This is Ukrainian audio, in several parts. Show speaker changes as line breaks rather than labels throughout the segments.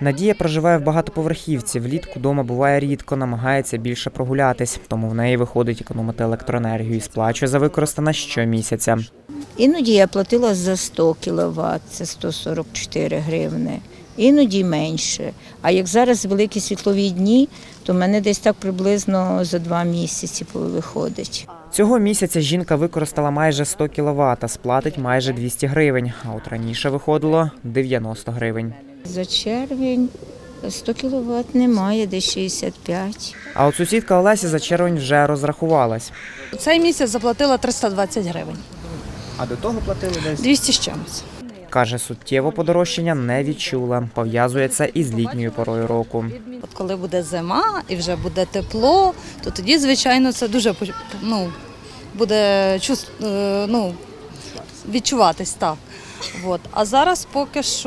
Надія проживає в багатоповерхівці. Влітку дома буває рідко, намагається більше прогулятись. Тому в неї виходить економити електроенергію і сплачує за використане щомісяця.
Іноді я платила за 100 кВт, це 144 гривни. Іноді менше. А як зараз великі світлові дні, то в мене десь так приблизно за 2 місяці виходить.
Цього місяця жінка використала майже 100 кВт, сплатить майже 200 гривень. А от раніше виходило 90 гривень.
За червень 100 кВт немає, десь 65.
А от сусідка Олеся за червень вже розрахувалась.
Цей місяць заплатила 320 гривень.
А до того платили десь?
200 з чимось.
Каже, суттєво подорожчання не відчула. Пов'язує це із літньою порою року.
От коли буде зима і вже буде тепло, то тоді, звичайно, це дуже буде відчуватись так. От. А зараз поки що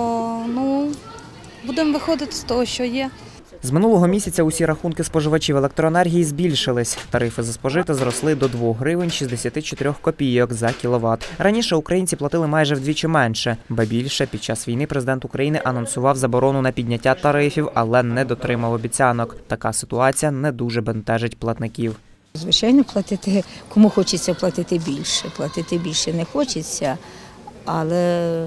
будемо виходити з того, що є.
З минулого місяця усі рахунки споживачів електроенергії збільшились. Тарифи за спожите зросли до 2 гривень 64 копійок за кіловат. Раніше українці платили майже вдвічі менше. Ба більше, під час війни президент України анонсував заборону на підняття тарифів, але не дотримав обіцянок. Така ситуація не дуже бентежить платників.
Звичайно, платити, кому хочеться платити більше. Платити більше не хочеться, але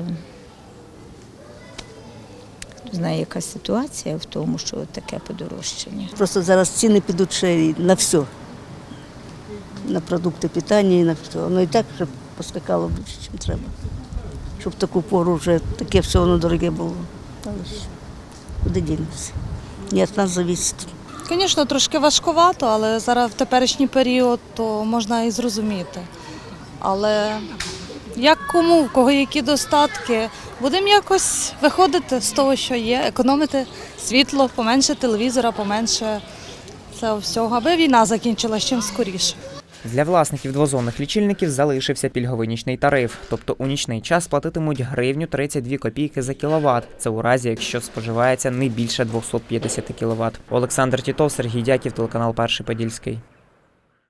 знає, яка ситуація в тому, що таке подорожчання.
Просто зараз ціни підуть ще на все. На продукти питання і на все. Воно і так вже поскакало більше, ніж треба. Щоб в таку пору вже таке все воно дороге було. Але ж куди дінемося? Не від нас залежить.
Звісно, трошки важкувато, але зараз в теперішній період то можна і зрозуміти. Але як кому, в кого які достатки, будемо якось виходити з того, що є, економити світло, поменше телевізора, поменше цього всього, аби війна закінчилася чим скоріше.
Для власників двозонних лічильників залишився пільговий нічний тариф. Тобто у нічний час платитимуть гривню 32 копійки за кіловат. Це у разі, якщо споживається не більше 250 кіловат. Олександр Тітов, Сергій Дяків, телеканал Перший Подільський.